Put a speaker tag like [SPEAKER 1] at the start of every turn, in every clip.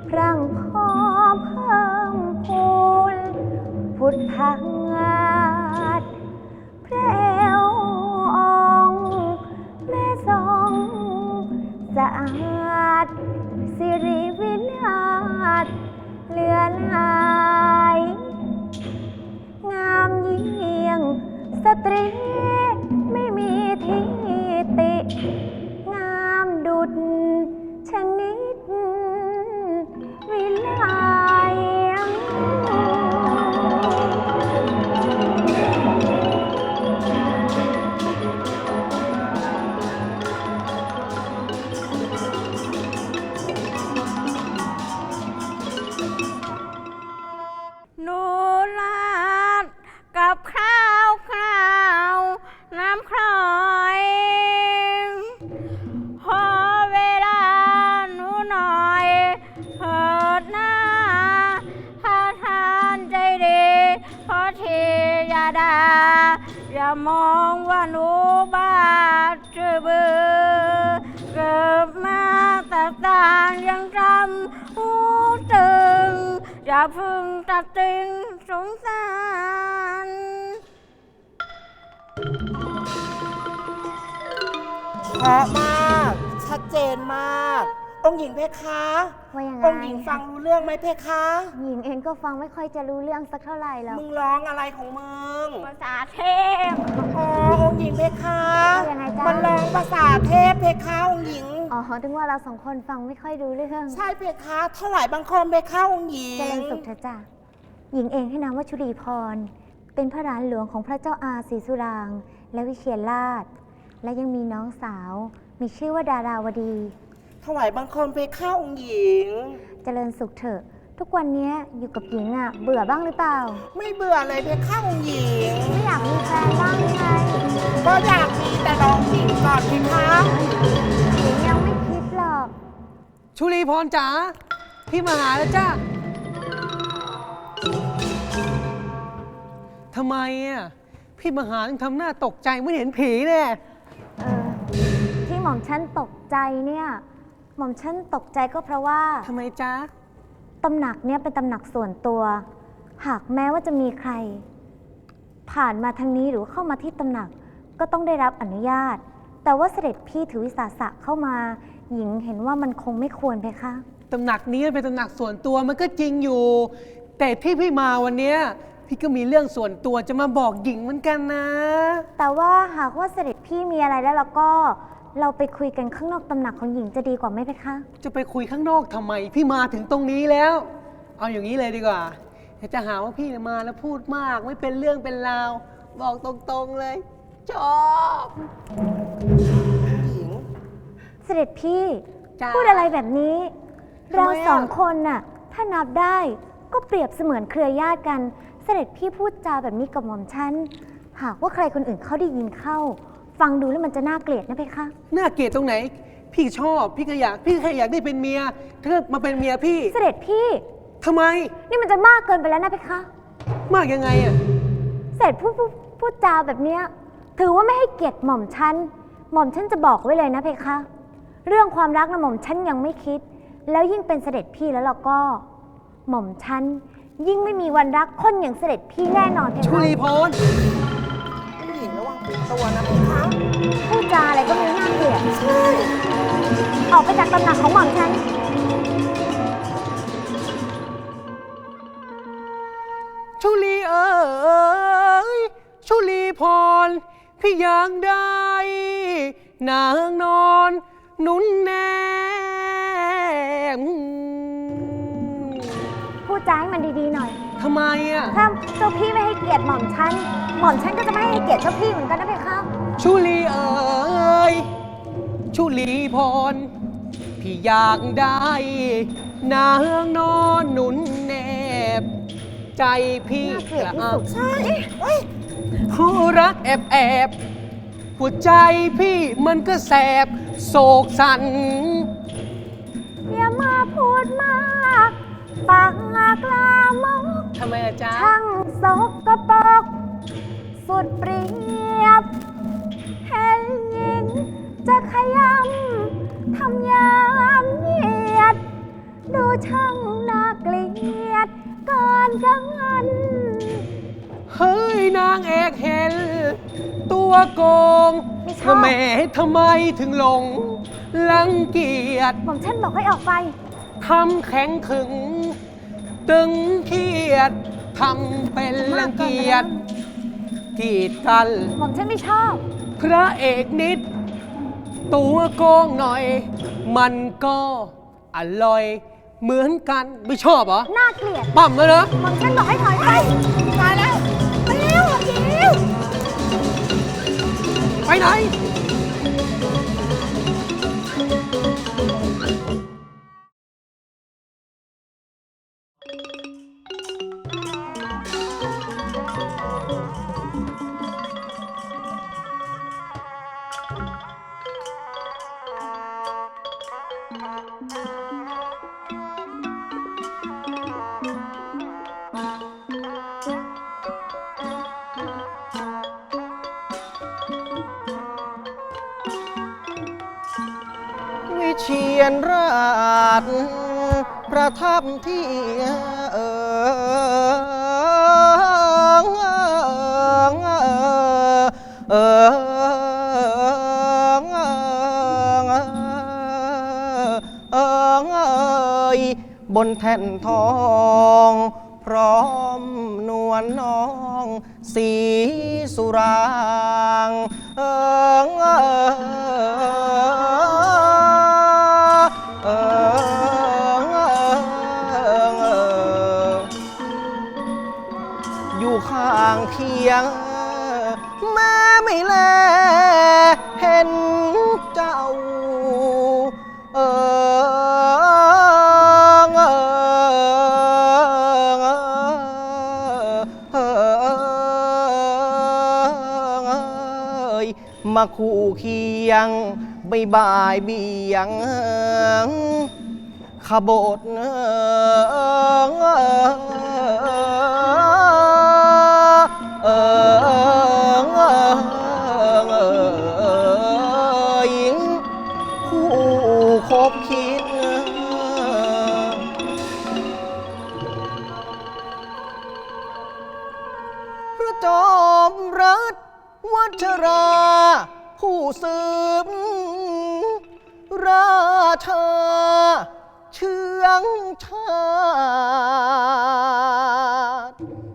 [SPEAKER 1] พรั่งพอเพิ่มพูนพุทธังอาจแพรวองค์แม่ทรงสะอาดสิริวินาศเลือนหายงามเยี่ยงสตรีไม่มีที่ติงามดุจชนิดวิไล
[SPEAKER 2] หนูลาดกับข้าวน้ำคลอยพอเวลาหนูหน่อยเถิดหน้าถ้าทานใจดีพอทีอย่าด่าอย่ามองว่าหนูบ้าชื่อบือเกิดมาแต่ต่างยังจำหูตึงอย่าพึ่งตัดติงสงสาร
[SPEAKER 3] เพราะมากชัดเจนมาก องค์หญิงเพคะ
[SPEAKER 1] ว่ายังไง
[SPEAKER 3] องค์หญิงฟังรู้เรื่องไหมเพคะ
[SPEAKER 1] หญิงเองก็ฟังไม่ค่อยจะรู้เรื่องสักเท่าไหร่แล้ว
[SPEAKER 3] มึงร้องอะไรของมึง
[SPEAKER 2] ภาษาเทพ
[SPEAKER 3] อ๋อองค์หญิงเพคะ
[SPEAKER 1] ว่ายังไงจ๊ะ
[SPEAKER 3] มันร้องภาษาเทพเพคะองค์หญิง
[SPEAKER 1] อ๋อถึงว่าเราสองคนฟังไม่ค่อยรู้เรื่อง
[SPEAKER 3] ใช่เพคะถวายบังคมเพคะองค์หญิ
[SPEAKER 1] เจริ
[SPEAKER 3] ง
[SPEAKER 1] ญสุขเถอะจ้ะหญิงเองให้นามว่าชุลีพร เป็นพระหลานหลวงของพระเจ้าอาศรีสุรางค์และวิเชียรราช และยังมีน้องสาว มีชื่อว่าดาราวดี
[SPEAKER 3] ถวายบังคมเพคะองค์หญิง
[SPEAKER 1] เจริญสุขเถอะ ทุกวันนี้อยู่กับหญิงอ่ะ เบื่อบ้างหรือเปล่า
[SPEAKER 3] ไม่เบื่อเลยเพคะองค์หญิง
[SPEAKER 1] ไม่อยากมีแฟนบ้างหรือไง
[SPEAKER 3] ก็อยากมีแต่ลองหญิงก่อนเพคะ
[SPEAKER 1] หญิงยังไม่คิดหรอก
[SPEAKER 4] ชุลีพรจ๋าพี่มาหาแล้วจ้าทำไมอ่ะพี่มาหาต้องทำหน้าตกใจไม่เห็นผีเนี่ย
[SPEAKER 1] ที่หม่อมฉันตกใจเนี่ย หม่อมฉันตกใจก็เพราะว่า
[SPEAKER 4] ทำไมจ๊ะ
[SPEAKER 1] ตำหนักเนี่ยเป็นตำหนักส่วนตัว หากแม้ว่าจะมีใคร ผ่านมาทางนี้หรือเข้ามาที่ตำหนักก็ต้องได้รับอนุญาต แต่ว่าเสด็จพี่ถือวิสาสะเข้ามา หญิงเห็นว่ามันคงไม่ควรเพคะ
[SPEAKER 4] ตำหนักนี้เป็นตำหนักส่วนตัวมันก็จริงอยู่ แต่ที่พี่มาวันเนี้ยพี่ก็มีเรื่องส่วนตัวจะมาบอกหญิงเหมือนกันนะ
[SPEAKER 1] แต่ว่าหากว่าเสด็จพี่มีอะไรแล้วเราก็เราไปคุยกันข้างนอกตำหนักของหญิงจะดีกว่าไหมเพคะ
[SPEAKER 4] จะไปคุยข้างนอกทำไม พี่มาถึงตรงนี้แล้ว เอาอย่างนี้เลยดีกว่าเดี๋ยวจะหาว่าพี่เนี่ยมาแล้วพูดมากไม่เป็นเรื่องเป็นราว บอกตรงๆเลย ชอบ
[SPEAKER 3] หญิง
[SPEAKER 1] เสด็จพี่
[SPEAKER 4] จ้า
[SPEAKER 1] พูดอะไรแบบนี้
[SPEAKER 4] ทำไม
[SPEAKER 1] เรา
[SPEAKER 4] อะ
[SPEAKER 1] สองคนน่ะถ้านับได้ก็เปรียบเสมือนเครือญาติกัน เสด็จพี่พูดจาแบบนี้กับหม่อมฉันหากว่าใครคนอื่นเขาได้ยินเข้า ฟังดูแล้วมันจะน่าเกลียดนะเพคะ
[SPEAKER 4] น่าเกลียดตรงไหน พี่ชอบพี่ก็อยากพี่แค่อยากได้เป็นเมียเธอมาเป็นเมียพี่
[SPEAKER 1] เสด็จพี่
[SPEAKER 4] ทำไม
[SPEAKER 1] นี่มันจะมากเกินไปแล้วนะเพคะ
[SPEAKER 4] มากยังไงอ่ะ
[SPEAKER 1] เสด็จพูดจาแบบเนี้ยถือว่าไม่ให้เกียรติหม่อมฉันหม่อมฉันจะบอกไว้เลยนะเพคะ เรื่องความรักนะหม่อมฉันยังไม่คิด แล้วยิ่งเป็นเสด็จพี่แล้วเราก็ หม่อมฉันยิ่งไม่มีวันรักคนอย่างเสด็จพี่แน่นอนเพ
[SPEAKER 4] ชุ
[SPEAKER 1] คะ
[SPEAKER 4] ลีพร
[SPEAKER 3] องค์หญิงระวังตัวนะเพคะ
[SPEAKER 1] พูดจาอะไรก็ไม่น่าเกลียดออกไปจากตำหนักของหม่อมฉัน
[SPEAKER 4] ชุลีเอ๋ยชุลีพร พี่อยากได้ นางนอนหนุนแนม
[SPEAKER 1] พูดจาให้มันดีๆหน่อย
[SPEAKER 4] ทำไมอ่ะ
[SPEAKER 1] ถ้าเจ้าพี่ไม่ให้เกียรติหม่อมฉันหม่อมฉันก็จะไม่ให้เกียรติเจ้าพี่เหมือนกันนะเพคะ
[SPEAKER 4] ชุลีเอ๋ยชุลีพร พี่อยากได้ นางนอนหนุนแนบ ใจพี่
[SPEAKER 1] น่าเกลียดที่สุด
[SPEAKER 3] ใช่เฮ้ย
[SPEAKER 4] ผู้รักแอบหัวใจพี่มันก็แสบโศกสัน
[SPEAKER 1] อย่ามาพูดมากปากกลามก
[SPEAKER 4] ทำไมอะจ๊ะ
[SPEAKER 1] ช่างสกปรกสุดเปรียบเห็นหญิงจะขยำทำยามเหยียด ดูฉช่างน่าเกลียดเกินจังงัน
[SPEAKER 4] เฮ้ยนางเอกเห็น ตัวโกง
[SPEAKER 1] ไม่ชอบ
[SPEAKER 4] แหม่ทำไมถึงหลงรังเกียจ
[SPEAKER 1] หม่อมฉันบอกให้ออกไป
[SPEAKER 4] ทำแข็งขึง ตึงเครียดทำเป็นรังเกียจกีดกัน
[SPEAKER 1] หม่อมฉันไม่ชอบ
[SPEAKER 4] พระเอกนิด ตัวโกงหน่อย มันก็อร่อยเหมือนกันไม่ชอบเหรอ
[SPEAKER 1] น่าเกลียด
[SPEAKER 4] ปั๊มแล้วนะ
[SPEAKER 1] หม่อมฉันบอกให้ถอยไปตายแล้วไปเร็วเร็ว
[SPEAKER 4] ไปไหน
[SPEAKER 3] วิเชียรราชประทับที่บนแท่นทองพร้อมนวลน้องสีสุรางอยู่ข้างเคียงแม่ไม่แลเห็นเจ้ามาคู่เคียงบ่ายเบียงขบฏหญิงคู่คบคิดพระจอมรัฐวัชรา ผู้สืบราชาเชื้องชาติ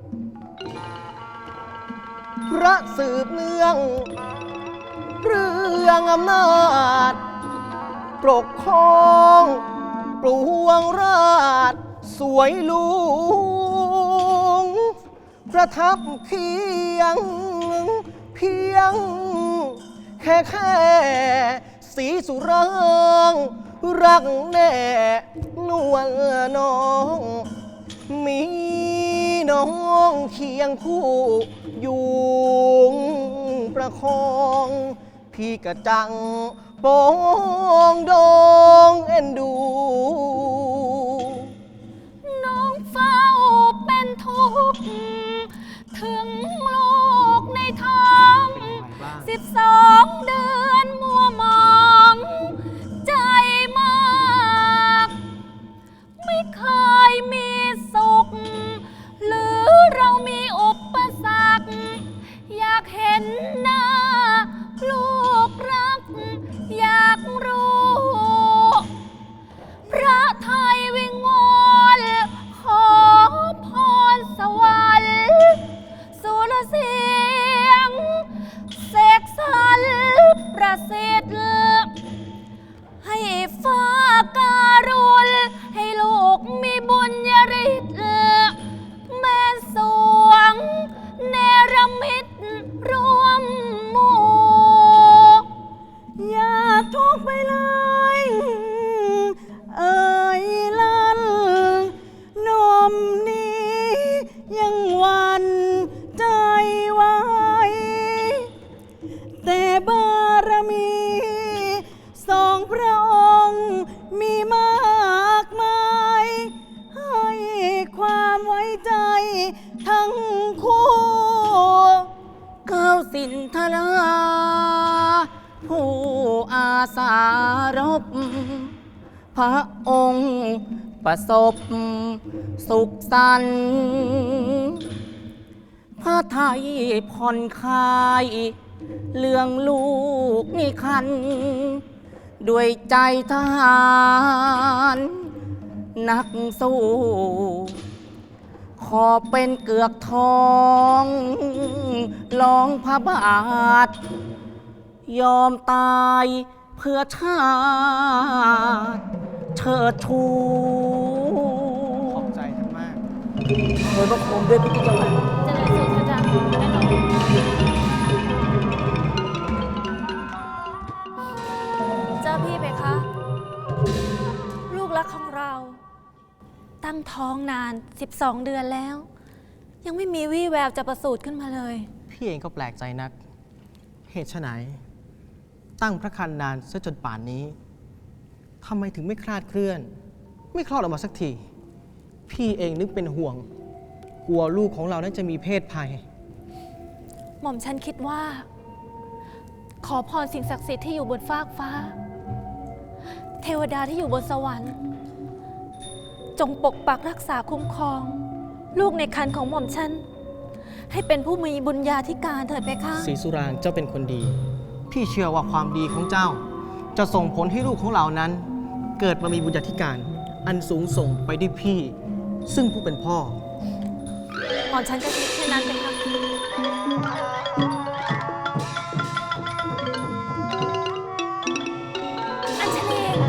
[SPEAKER 3] พระสืบเนื่องเรื่องอำนาจปกครองปวงราชสวยลุงประทับเคียงเพียงแค่สีสุรางรักแน่นวลน้องมีน้องเคียงคู่อยู่ประคองพี่กระจังปองดองเอ็นดู
[SPEAKER 2] น้องเฝ้าเป็นทุกข์ถึงลูกในท้อง12 เดือนมัวมองใจมากไม่เคยมีสุขหรือเรามีอุปสรรคอยากเห็นหน้าลูกรักอยากรู้พระไทยวิงวอนขอพรสวรรค์สุรเสียงเสกสรรประสิทธิ์ให้ฟ้าการุณให้ลูกมีบุญญาฤทธิ์แม่สวงเนรมิตร่วมหมู่อย่าทุกข์ไปเลยเอ่ยลั่นนมนี้ยังหวันใจไว้แต่บารมี2 พระองค์มีมากมายให้ความไว้ใจทั้งคู่ก้าวสินทรา ผู้อาสารบพระองค์
[SPEAKER 3] ประสบสุขสันต์พระไทยผ่อนคลายเรื่องลูกนี่คัน ด้วยใจทหารนักสู้ ขอเป็นเกือกทองลองพระบาท ยอมตายเพื่อชาติเชิดชู
[SPEAKER 4] ขอบใจท่านมาก
[SPEAKER 3] โดยพระโคมด้วยทุกจังหวัด
[SPEAKER 2] เจริญสุขเถอะจ้ะแม่นมเจ้าพี่เพคะ ลูกรักของเรา ตั้งท้องนาน 12 เดือนแล้ว ยังไม่มีวี่แววจะประสูติขึ้นมาเลย
[SPEAKER 3] พี่เองก็แปลกใจนัก เหตุไฉนตั้งพระครรภ์นานซะจนป่านนี้ทำไมถึงไม่คลาดเคลื่อน ไม่คลอดออกมาสักที พี่เองนึกเป็นห่วง กลัวลูกของเรานั้นจะมีเพศภัย
[SPEAKER 2] หม่อมฉันคิดว่า ขอพรสิ่งศักดิ์สิทธิ์ที่อยู่บนฟากฟ้า เทวดาที่อยู่บนสวรรค์ จงปกปักรักษาคุ้มครอง ลูกในครรภ์ของหม่อมฉัน ให้เป็นผู้มีบุญญาธิการเถิดเพคะ
[SPEAKER 3] ศรีสุรางค์เจ้าเป็นคนดี พี่เชื่อว่าความดีของเจ้า จะส่งผลให้ลูกของเรานั้น เกิดมามีบุญญาธิการ อันสูงส่งไปด้วยพี่ ซึ่งผู้เป็นพ่อ
[SPEAKER 2] หม่อมฉันจะคิดแค่นั้นเพคะ อัญชลี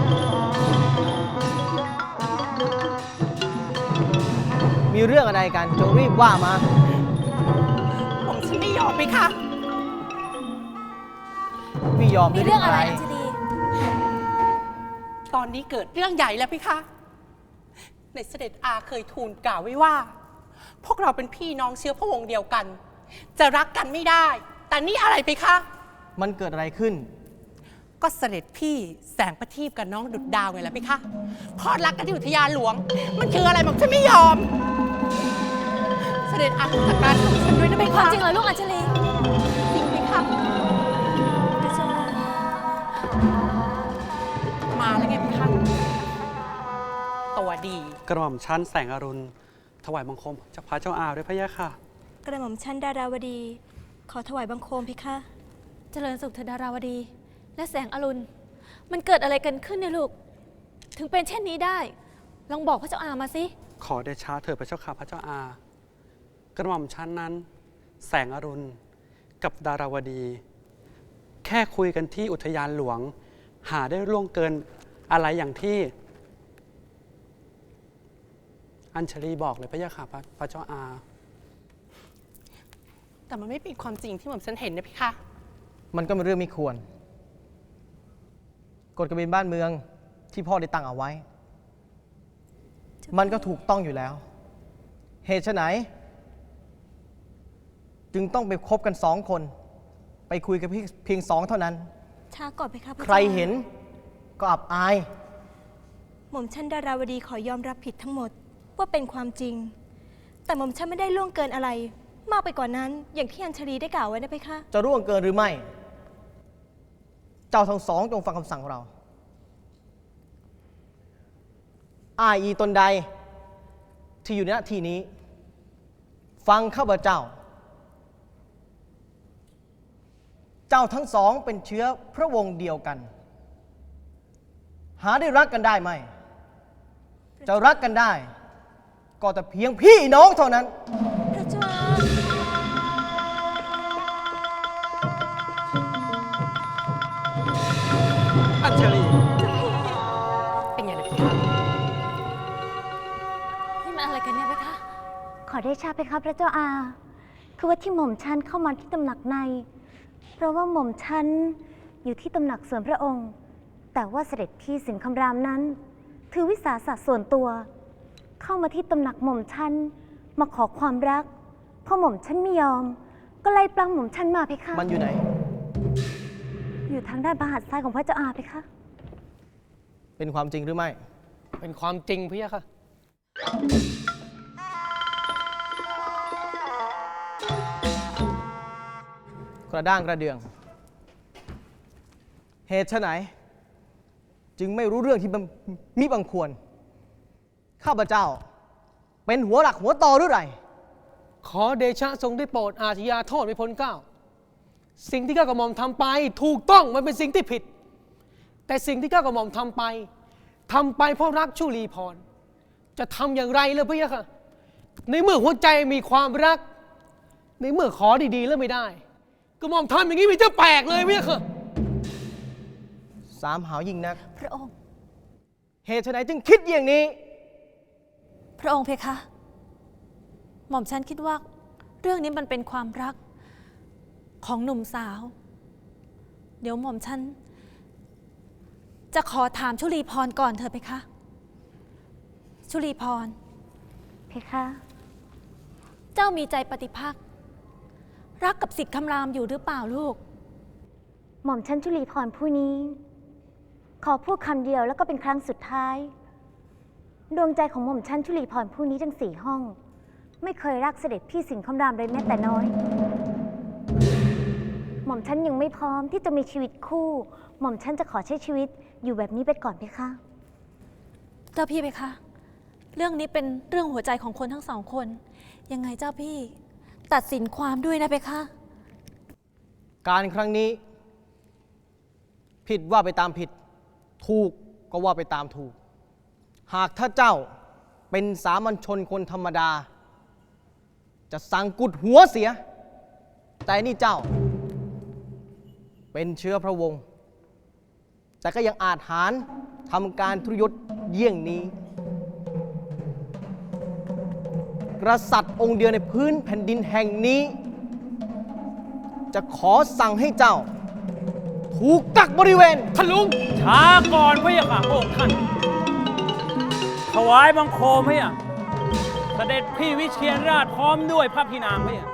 [SPEAKER 3] มีเรื่องอะไรกันจงรีบว่ามา
[SPEAKER 5] ผมฉันไม่ยอมไปค่ะ
[SPEAKER 3] พี่ยอม
[SPEAKER 2] มี
[SPEAKER 3] ด้วย
[SPEAKER 2] เรื่องอะไร
[SPEAKER 3] อะไร
[SPEAKER 2] อัญชลี
[SPEAKER 5] ตอนนี้เกิดเรื่องใหญ่แล้วพี่คะในเสด็จอาเคยทูลกล่าวไว้ว่า พวกเราเป็นพี่น้องเชื้อพระวงศ์เดียวกัน จะรักกันไม่ได้ แต่นี่อะไรไปคะ
[SPEAKER 3] มันเกิดอะไรขึ้น
[SPEAKER 5] ก็เสด็จพี่แสงประทีปกับน้องดุดดาวไงล่ะพี่คะพอดรักกันที่อุทยานหลวง มันคืออะไรผมฉันไม่ยอม เสด็จอาจัดการของฉันด้วยนะ
[SPEAKER 2] เป็
[SPEAKER 5] พี่
[SPEAKER 2] นความ
[SPEAKER 5] คะ
[SPEAKER 2] จริงเหรอลูกอัญชลี
[SPEAKER 5] จริงพี่คะมาแล้วไงพี่คะตัวดี
[SPEAKER 6] กระหม่อมชั้นแสงอรุณ ถวายบังคมจากพระเจ้าอาด้วยพระยะค่ะ
[SPEAKER 7] กระหม่อมชั้นดาราวดี ขอถวายบังคมพิคะ
[SPEAKER 2] เจริญสุขเธอดาราวดี และแสงอรุณ มันเกิดอะไรกันขึ้นเนี่ยลูก ถึงเป็นเช่นนี้ได้ ลองบอกพระเจ้าอามาสิ
[SPEAKER 6] ขอเดชะเถิดพระเจ้าค่ะพระเจ้าอา กระหม่อมชั้นนั้น แสงอรุณกับดาราวดี แค่คุยกันที่อุทยานหลวง หาได้ล่วงเกินอะไรอย่างที่ อัญชลีบอกเลยพระยะค่ะพระเจ้าอา
[SPEAKER 5] แต่มันไม่เป็นความจริงที่ผมฉันเห็นนะพี่คะ
[SPEAKER 3] มันก็เป็นเรื่องไม่ควร กฎกระเบนบ้านเมืองที่พ่อได้ตั้งเอาไว้ มันก็ถูกต้องอยู่แล้ว เหตุไฉนจึงต้องไปคบกัน2 คน ไปคุยกันเพียง2 เท่านั้น
[SPEAKER 7] ช้าก่อนพิคะพะ
[SPEAKER 3] ใครเห็นก็อับอาย
[SPEAKER 7] หม่อมชั้นดาราวดีขอยอมรับผิดทั้งหมดว่าเป็นความจริง แต่หม่อมชั้นไม่ได้ล่วงเกินอะไร มากไปกว่านั้น อย่างที่อัญชลีได้กล่าวไว้นะพิคะ
[SPEAKER 3] จะร่วงเกินหรือไม่ เจ้าทั้ง2จงฟังคำสั่งเรา อ้ายอีตนใดที่อยู่ในหน้าที่นี้ ฟังข้าพเจ้า เจ้าทั้ง2เป็นเชื้อพระวงศ์เดียวกัน หาได้รักกันได้ไหม จะรักกันได้ ก็แต่เพียงพี่น้องเท่านั้น
[SPEAKER 7] พระเจ้า
[SPEAKER 6] อัญชลี
[SPEAKER 5] เป็นไงนะพี่คะ
[SPEAKER 2] นี่มันอะไรกันเนี่ยเพคะ
[SPEAKER 1] ขอได้ชาเพคะพระเจ้าอา คือว่าที่หม่อมชันเข้ามาที่ตำหนักใน เพราะว่าหม่อมชันอยู่ที่ตำหนักส่วนพระองค์ แต่ว่าเสด็จพี่สินคำรามนั้น ถือวิสาสะส่วนตัว เข้ามาที่ตำหนักหม่อมชันมาขอความรักพอหม่อมชันไม่ยอม ก็ไล่ปล้ำหม่อมชันมาเพคะ
[SPEAKER 3] มันอยู่ไหน
[SPEAKER 1] อยู่ทางด้านบาหัดซ้ายของพระเจ้าอาเพคะ
[SPEAKER 3] เป็นความจริงหรือไม่
[SPEAKER 4] เป็นความจริงพระยะค่ะ
[SPEAKER 3] กระด้างกระเดือง เหตุไฉนจึงไม่รู้เรื่องที่มิบังควรข้าพเจ้า เป็นหัวหลักหัวต่อหรือไร
[SPEAKER 4] ขอเดชะทรงได้โปรดอาชญาโทษไม่พ้นเกล้าสิ่งที่ข้ากระหม่อมทำไปถูกต้องมันเป็นสิ่งที่ผิด แต่สิ่งที่ข้ากระหม่อมทำไปเพราะรักชุลีพรจะทำอย่างไรเลยพี่ค่ะในเมื่อหัวใจมีความรัก ในเมื่อขอดีๆแล้วไม่ได้กระหม่อมทำอย่างนี้มันจะแปลกเลยพี่ค่ะ
[SPEAKER 3] สามหาวยิ่งนัก
[SPEAKER 1] พระองค์
[SPEAKER 3] เหตุไฉนจึงคิดอย่างนี้
[SPEAKER 1] พระองค์เพคะ หม่อมฉันคิดว่าเรื่องนี้มันเป็นความรักของหนุ่มสาว เดี๋ยวหม่อมฉันจะขอถามชุลีพรก่อนเถอะเพคะ ชุลีพร เพคะ เจ้ามีใจปฏิภาครักกับสิทธิ์คำรามอยู่หรือเปล่าลูก หม่อมฉันชุลีพรผู้นี้ ขอพูดคำเดียวแล้วก็เป็นครั้งสุดท้าย ดวงใจของหม่อมฉันชุลีพรผู้นี้ทั้ง4 ห้อง ไม่เคยรักเสด็จพี่สิงห์คำรามเลยแม้แต่น้อย หม่อมฉันยังไม่พร้อมที่จะมีชีวิตคู่ หม่อมฉันจะขอใช้ชีวิตอยู่แบบนี้ไปก่อนเพคะ เจ้าพี่เพคะ เรื่องนี้เป็นเรื่องหัวใจของคนทั้ง2 คน ยังไงเจ้าพี่ตัดสินความด้วยนะเพคะ
[SPEAKER 3] การครั้งนี้ ผิดว่าไปตามผิด ถูกก็ว่าไปตามถูก หากถ้าเจ้าเป็นสามัญชนคนธรรมดา จะสั่งกุดหัวเสีย แต่นี่เจ้า เป็นเชื้อพระวงศ์แต่ก็ยังอาจหาญทำการทุรยศเยี่ยงนี้ กษัตริย์องค์เดียวในพื้นแผ่นดินแห่งนี้ จะขอสั่งให้เจ้า ถูกกักบริเวณ
[SPEAKER 4] ท่านลุง
[SPEAKER 8] ช้าก่อนพระยาค่ะพระองค์ท่าน ถวายบังคมพระยาเสด็จพี่วิเชียรราชพร้อมด้วยพระพี่นางพระยา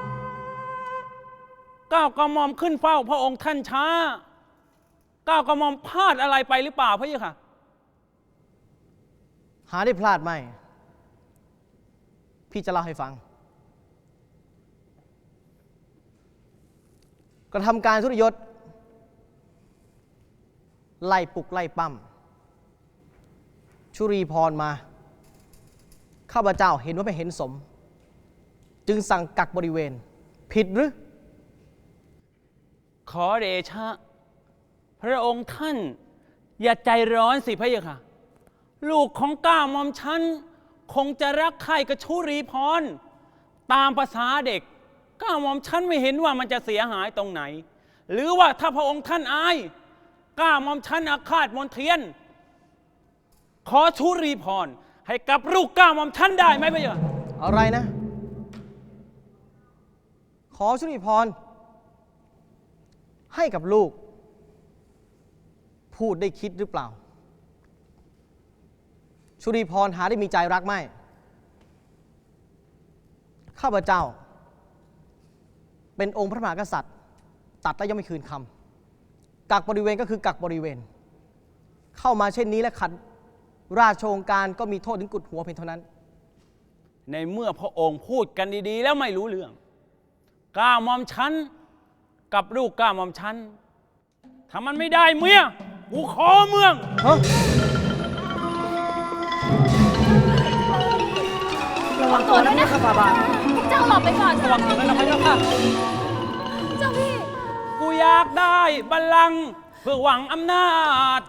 [SPEAKER 8] ก้าวกระหม่อมขึ้นเฝ้าพระองค์ท่านช้าก้าวกระหม่อมพลาดอะไรไปหรือเปล่าพระยาค่ะ
[SPEAKER 3] หาได้พลาดไหม พี่จะเล่าให้ฟัง กระทำการทุรยศ ไล่ปลุกไล่ปั้มชุรีพรมา ข้าพเจ้าเห็นว่าไม่เห็นสม จึงสั่งกักบริเวณ ผิดหรือ
[SPEAKER 8] ขอเดชะ พระองค์ท่าน อย่าใจร้อนสิพระยาค่ะ ลูกของก้าวหม่อมฉันคงจะรักใคร่กับชุรีพร ตามภาษาเด็กก้าวหม่อมฉันไม่เห็นว่ามันจะเสียหายตรงไหน หรือว่าถ้าพระองค์ท่านอายก้าวหม่อมฉันอาฆาตมนเทียน ขอชุรีพรให้กับลูกก้าวหม่อมฉันได้ไหมพระยา
[SPEAKER 3] อะไรนะ ขอชุรีพร ให้กับลูก พูดได้คิดหรือเปล่า ชุรีพรหาได้มีใจรักไหม ข้าพเจ้า เป็นองค์พระมหากษัตริย์ ตัดแล้วยังไม่คืนคำกักบริเวณก็คือกักบริเวณ เข้ามาเช่นนี้และขัดราชโองการก็มีโทษถึงกุดหัวเพียงเท่านั้น
[SPEAKER 8] ในเมื่อพระองค์พูดกันดีๆแล้วไม่รู้เรื่องก้าวหม่อมฉันกับลูกก้าวหม่อมฉันถ้ามันไม่ได้เมียกูขอเมือง
[SPEAKER 1] ระวังตัวด้วยนะคะบาเจ้าหลบไปก่อน
[SPEAKER 8] ระวังตัวด้วยนะพระเจ้าค่ะ
[SPEAKER 1] เจ้าพี่
[SPEAKER 8] กูอยากได้บัลลังก์เพื่อหวังอำนาจ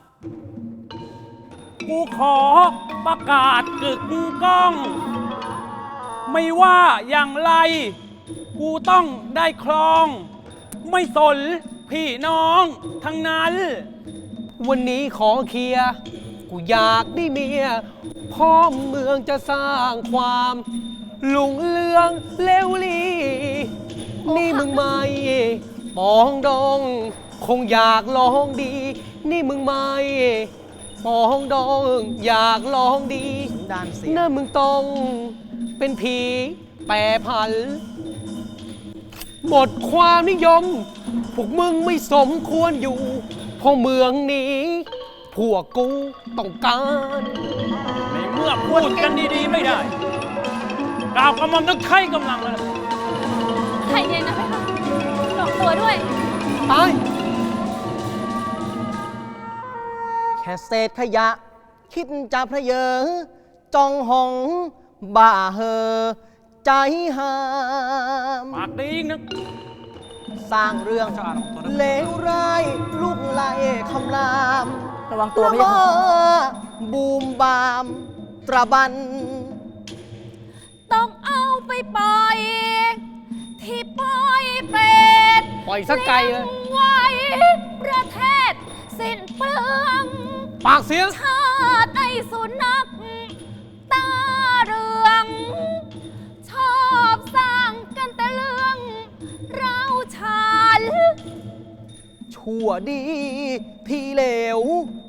[SPEAKER 8] กูขอประกาศกึกก้อง ไม่ว่าอย่างไร กูต้องได้ครอง ไม่สนพี่น้องทั้งนั้น
[SPEAKER 4] วันนี้ขอเคลียร์กูอยากได้เมียพ่อเมืองจะสร้างความลุ่งเรืองเลวลีนี่มึงไม่ปองดองคงอยากลองดี นี่มึงไม่ปองดองอยากลองดี
[SPEAKER 3] ด้านเสีย
[SPEAKER 4] น่ามึงต้องเป็นผีแปรผัน หมดความนิยม พวกมึงไม่สมควรอยู่เพราะเมืองนี้พวกกูต้องการ
[SPEAKER 8] ในเมื่อพูดกันดีๆไม่ได้กล่าวกระหม่อมต้องใช้กำลังแล้ว
[SPEAKER 1] ใครเย็นนะเพคะหลบตัวด้วย
[SPEAKER 4] ตาย
[SPEAKER 3] แค่เศษขยะ คิดจะเพระเยอ จจองหองบ่าเหอใจหาม
[SPEAKER 8] ปากดีอีกนะ
[SPEAKER 3] สร้างเรื่องเลวร้ายลุกไล่คำราม
[SPEAKER 2] ระวังตัวพะยะ
[SPEAKER 3] ละ
[SPEAKER 2] ค่ะ
[SPEAKER 3] เมอบูมบามตระบัน
[SPEAKER 2] ต้องเอาไปปล่อยที่ปล่อยเป็ด
[SPEAKER 4] ปล่อยสักไกลเลย
[SPEAKER 2] ไว้ประเทศสิ้นเปลือง
[SPEAKER 4] ปากเสียง
[SPEAKER 2] ชาติไอ้สุนัขตาเรือง ชอบสร้างกันแต่เรื่องเราชาญ
[SPEAKER 3] ชั่วดีที่เหลว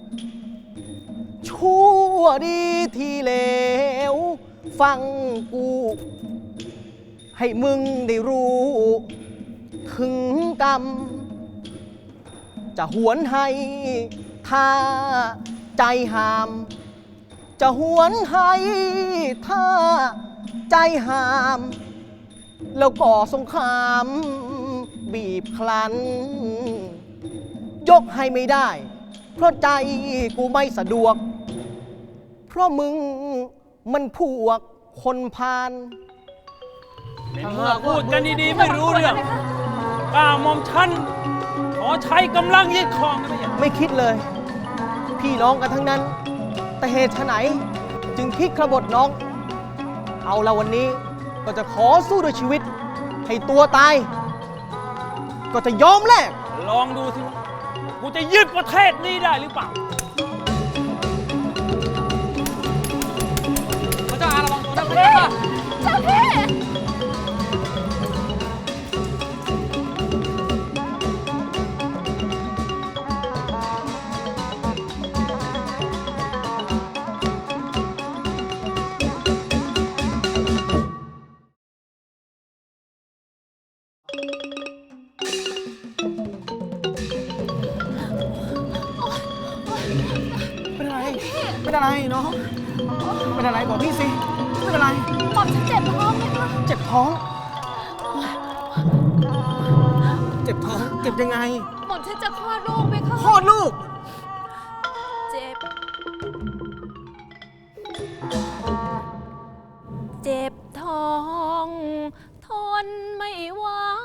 [SPEAKER 3] ชั่วดีที่เหลว ฟังกู ให้มึงได้รู้ ถึงกรรม จะหวนให้ท่าใจหาม จะหวนให้ท่าใจหาม แล้วก่อสงคราม บีบคลัน ยกให้ไม่ได้ เพราะใจกูไม่สะดวก เพราะมึงมันพวกคนพาล
[SPEAKER 8] เมื่อพูดกันดีๆไม่รู้เรื่องก้าวหม่อมฉันขอใช้กำลังยึดครองนะพะยะค่ะ
[SPEAKER 3] ไม่คิดเลย พี่น้องกันทั้งนั้น แต่เหตุไฉนจึงคิดขบฏน้อง เอาละวันนี้ก็จะขอสู้ด้วยชีวิต ให้ตัวตาย ก็จะยอมแลก
[SPEAKER 8] ลองดูสิกูจะยึดประเทศนี้ได้หรือเปล่า
[SPEAKER 4] พระเจ้าอาระวังตัวนะพระเจ้าค่ะ
[SPEAKER 2] เจ้าพี่
[SPEAKER 3] เป็นอะไร เป็นอะไรน้อง เป็นอะไรบอกพี่สิ ไม่เป็นไร
[SPEAKER 2] หม่อมฉันเจ็บท้องไหมคะ
[SPEAKER 3] เจ็บท้อง เจ็บท้อง เจ็บยังไง
[SPEAKER 2] หม่อมฉันจะคลอดลูกไหมคะ
[SPEAKER 3] คลอดลูก
[SPEAKER 2] เจ็บ เจ็บท้อง ทนไม่ไหว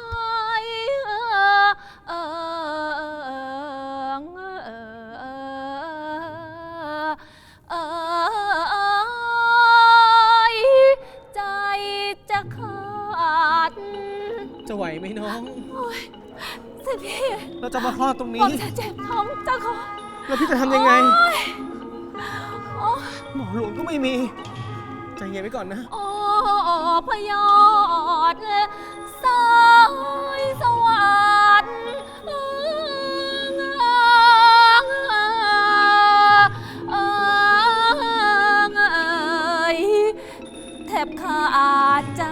[SPEAKER 2] ใจจะขาด
[SPEAKER 3] จะไหวไหมน้อง
[SPEAKER 2] เสด็จพี่
[SPEAKER 3] เราจะมาคลอดตรง
[SPEAKER 2] หม่
[SPEAKER 3] นี้
[SPEAKER 2] อมฉันเจ็บท้องเจ้าค่ะ
[SPEAKER 3] แล้วพี่จะทำยังไง
[SPEAKER 2] โอ้ย
[SPEAKER 3] หมอหลวงก็ไม่มี ใจเย็นไว้ก่อนนะ
[SPEAKER 2] โอ้พยอดสายสวัสดิ์แทบขาดใจ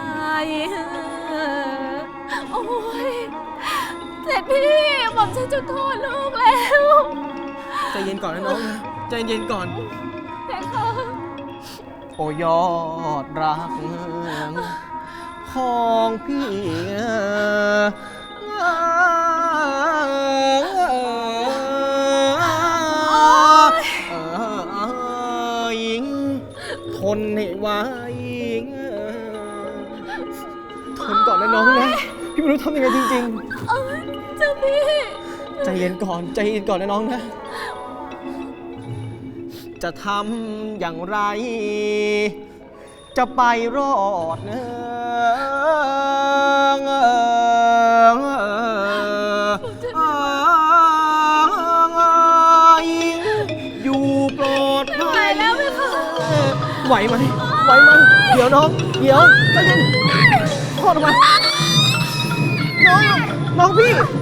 [SPEAKER 2] โอ้ยเสร็จพี่หม่อมฉันจะคลอดลูกแล้ว
[SPEAKER 3] ใจเย็นก่อนนะน้องนะ ใจเย็นก่อน
[SPEAKER 2] แค่ค่ะ
[SPEAKER 3] โอ้ยอดรักของพี่หญิงทนให้ไว้ทนก่อนนะน้องนะ พี่ไม่รู้ทำยังไงจริง
[SPEAKER 2] เอ้ยเจ้าพี่
[SPEAKER 3] ๆ ใจเย็นก่อน ใจเย็นก่อนนะน้องนะ จะทำอย่างไร จะไปรอดเนอยู่ปลอดภัยไหวไหม ไหวไหม เดี๋ยวน้อง เดี๋ยวใจเย็นพ่อทำไมน้องพี่